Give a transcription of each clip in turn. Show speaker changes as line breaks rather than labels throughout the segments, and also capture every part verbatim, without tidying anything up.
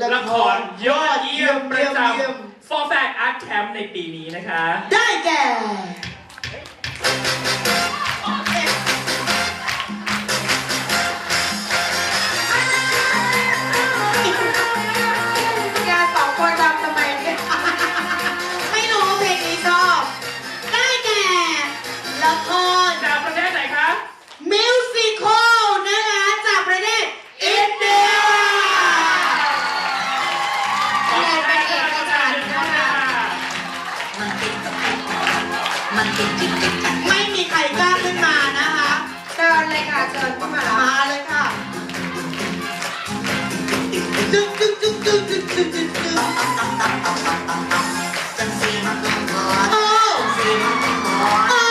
ละครยอดเยี่ยมประจำ For Fact Art Camp ในปีนี้นะคะ
ได้แก่ไม่มีใครกล้าขึ้นมานะคะเชิญเลยค่ะเชิญเข้ามามาเลยค่ะจึ๊กจึ๊กจึ๊กจึ๊กจึ๊กจึ๊กจึ๊กจึ๊กโอ้โอ้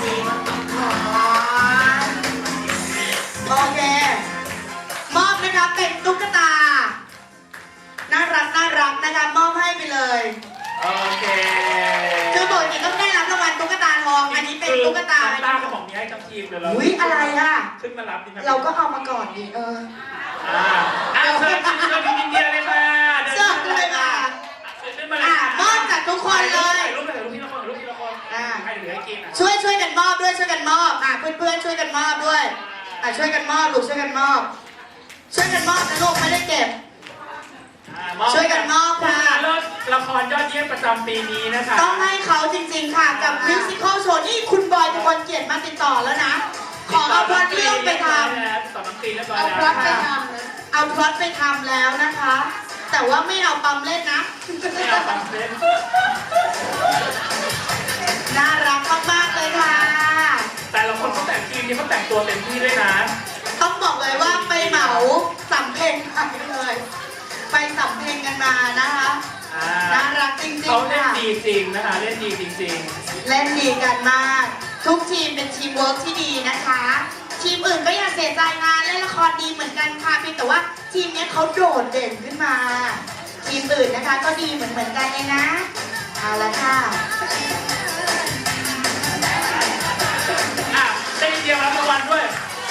โอเคมอบนะคะเป็นตุ๊กตาน่ารักน่ารักนะคะมอบให้ไปเลย
โอเค
คือปกติต้องได้รับรางวัลตุ๊กตาทองอันนี้เป็นตุ๊กตา
ตาเขาบอกมีให้ทั้งทีมเลยเรา
อุ้ยอะไรอ่ะ
ขึ้นมารับดิ
เราก็เอามาก่อนดิเออ
อ่าอ่าเชิญเชิญอินเดียเลยค่ะ
เชิญเลยค่ะอ่ามอบจากทุกคนเลย
รูปถ่ายรูปที่ละครรูปที่ละครอ่าให้เหลือให้กิน
ช่วยช่วยกันมอบด้วยช่วยกันมอบอ่าเพื่อนเพื่อนช่วยกันมอบด้วยอ่าช่วยกันมอบลูกช่วยกันมอบช่วยกันมอบนะลูกไม่ได้เก็บช่วยกันมอบค่ะ
เลิศละครยอดเยี่ยมประจำปีนี้นะคะ
ต้องให้เขาจริงๆค่ะกับมิวสิควลโชว์นี่คุณบอยเป็นคนเกียรติมาติดต่อแล้วนะขอเอาพล็อตเรื่องไปท
ำต่อน้ำตีแล้วเอา
พล็อตไปทำเอาพล็อตไปทำแล้วนะคะแต่ว่าไม่เอาปั๊มเล่นนะ
ไม่เอาปั๊มเล่น
น่ารักมากๆเลยค่ะ
แต่ละคนเขาแต่งทีมนี้เขาแต่งตัวเต็มที่ด้วยนะ
ต้องบอกเลยว่าไปเหมาสำเพ็งไปเลยไปสำเพ็งกันมานะคะน่ารักจริงๆ
เขาเล่นดีจริงนะคะเล่นดีจริง
ๆเล่นดีกันมากทุกทีมเป็นทีมเวิร์กที่ดีนะคะทีมอื่นก็อย่าเสียใจงานเล่นละครดีเหมือนกันค่ะเพียงแต่ว่าทีมนี้เขาโดดเด่นขึ้นมาทีมอื่นนะคะก็ดีเหมือนเหมือนกันเองนะเอาละค่ะ
อ่ะได้เดียวรับรางวัลด้วย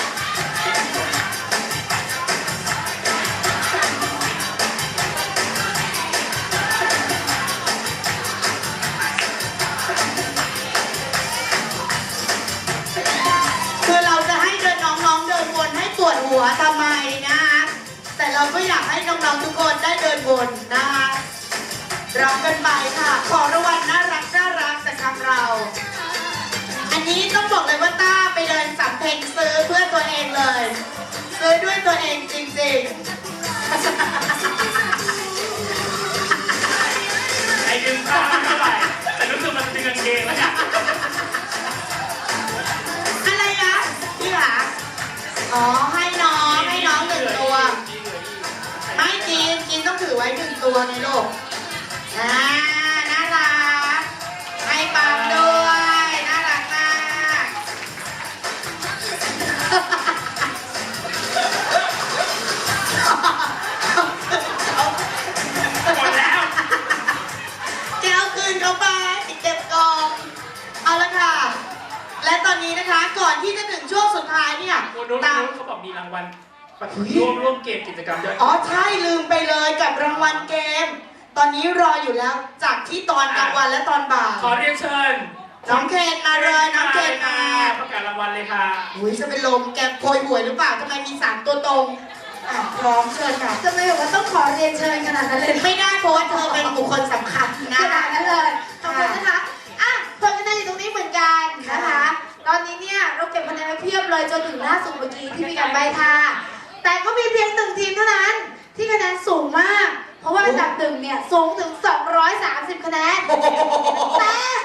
หัวทำไมนะคะแต่เราก็อยากให้น้องๆทุกคนได้เดินวนนะคะรับกันไปค่ะขอรางวัลน่ารักน่ารักจากทางเราอันนี้ต้องบอกเลยว่าต้าไปเดินสำเพ็งซื้อเพื่อตัวเองเลยซื้อด้วยตัวเองจริง
ๆไอ้ดึงผ้าไม่เท่าไหร่แต่รู้สึกมันดึงกางเกงแล้วเนี่ย
อะไรนะพี่หาอ๋อให้น้องให้น้องหนึ่งตัวไม่กินกินต้องถือไว้หนึ่งตัวในโลกอ่าน่ารักให้ปั๊มด้วยน่ารักมาก
หมดแล้ว
แกเอาคืนเขาไปเก็บกองเอาละค่ะและตอนนี้นะคะก่อนที่จะถึงช่วงสุดท้ายเนี่ย
ตามเขาบอกมีรางวัลร่วมร่วมเกมกิจกรรมด้วย
อ๋อใช่ลืมไปเลยกับรางวัลเกมตอนนี้รออยู่แล้วจากที่ตอนกลางวันและตอนบ่าย
ขอเรียนเชิญ
น้องเคนมาเลยน้องเคนมา
ประกาศรางวัลเลยค่ะ
อุ้ยจะเป็นลมแกโพยหวยหรือเปล่าทำไมมีสามตัวตรงอ่ะพร้อมเชิญค่ะ
จะไม่บอกว่าต้องขอเรียนเชิญขนาดนั้นเลย
ไม่ได้เพราะว่าเธอเป็นบุคคลสำคัญนะ
ขนาดนั้นเลยขอบคุณนะคะอ่ะผลคะแนนอยู่ตรงนี้เหมือนกันนะคะตอนนี้เนี่ยเราเก็บคะแนนไว้เพียบเลยจนถึงล่าสุดเมื่อกี้ที่มีการใบค่ะแต่ก็มีเพียงหนึ่งทีมเท่านั้นที่คะแนนสูงมากเพราะว่าอันดับหนึ่งเนี่ยสูงถึงสองร้อยสามสิบคะแนนแต่